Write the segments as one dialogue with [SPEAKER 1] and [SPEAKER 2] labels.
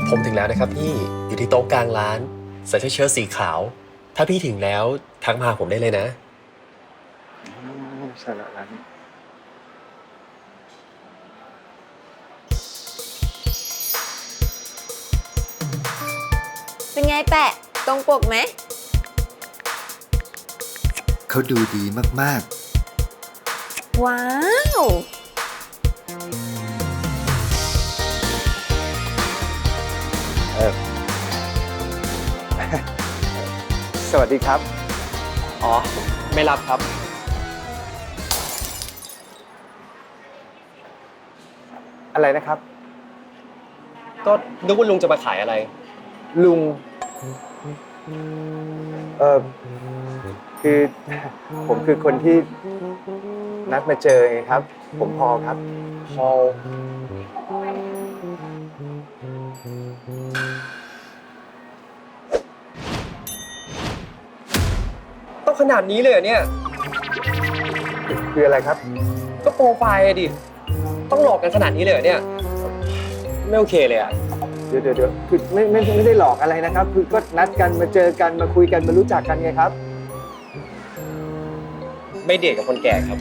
[SPEAKER 1] ผมถึงแล้วนะครับพี่อยู่ที่โต๊ะกลางร้านใส่เสื้อเชิ้ตสีขาว ถ้าพี่ถึงแล้วทักมาหาผมได้เลยนะ
[SPEAKER 2] ใช่แล้วร้านนี้
[SPEAKER 3] เป็นไงแปะตรงปกไหม
[SPEAKER 4] เขาดูดีมาก
[SPEAKER 3] ว้าว
[SPEAKER 2] สวัสดีครับ
[SPEAKER 1] อ๋อ ไม่รับครับ
[SPEAKER 2] อะไรนะครับ
[SPEAKER 1] ก็นึกว่าลุงจะมาขายอะไร
[SPEAKER 2] ลุงคือผมคือคนที่นัดมาเจอไงครับ ผมพอครับพอ
[SPEAKER 1] ต้องขนาดนี้เลยเหรอเนี่ย
[SPEAKER 2] คืออะไรครับ
[SPEAKER 1] ก็โปรไฟล์อะดิ ต้องหลอกกันขนาดนี้เลยเหรอเนี่ย ไม่โอเคเลยอะ
[SPEAKER 2] เดี๋ยวคือไม่ได้หลอกอะไรนะครับ คือก็นัดกันมาเจอกันมาคุยกันมารู้จักกันไงครับ
[SPEAKER 1] ไม่เดทกับคนแก่ครับ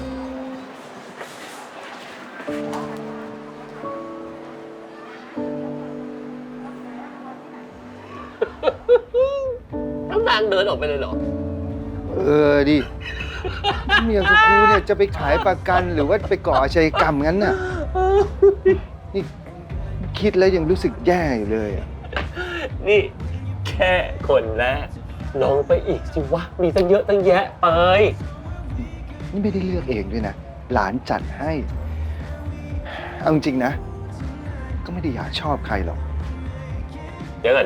[SPEAKER 1] น้ำนางเดินออกไปเลยเหรอ
[SPEAKER 4] ดิเมียกับกูเนี่ยจะไปขายประกันหรือว่าไปก่ออาชญากรรมงั้นน่ะ นี่คิดแล้วยังรู้สึกแย่อยู่เลยอะ
[SPEAKER 1] นี่แค่คนแรกลองไปอีกสิวะ มีตั้งเยอะตั้งแยะไป
[SPEAKER 4] นี่ไม่ได้เลือกเองด้วยนะ หลานจัดให้ เอาจริงๆนะ ก็ไม่ได้อยากชอบใครหรอก
[SPEAKER 1] เดี๋ยวก่อน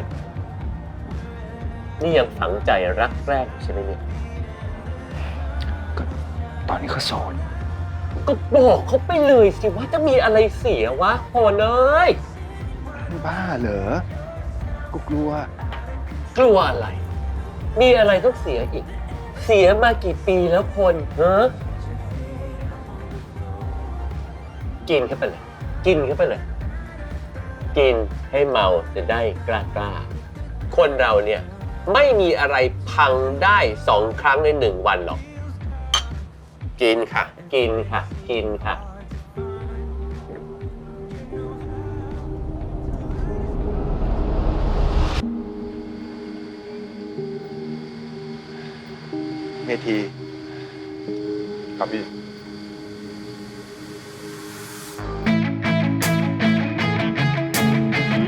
[SPEAKER 1] นี่ยังฝังใจรักแรกอยู่ใช่ไหมเนี่ย
[SPEAKER 4] ก็ตอนนี้เขาโสด
[SPEAKER 1] ก็บอกเขาไปเลยสิว่าจะมีอะไรเสียวะโหนเอ้ย
[SPEAKER 4] บ้าเหรอ กูกลัว
[SPEAKER 1] กลัวอะไร มีอะไรต้องเสียอีก เสียมากี่ปีแล้วคนฮะกินเข้าไปเลย กินให้เมาจะได้กล้า คนเราเนี่ยไม่มีอะไรพังได้2 ครั้งใน1 วันหรอก กินค่ะ
[SPEAKER 4] เมที
[SPEAKER 2] ครับพี่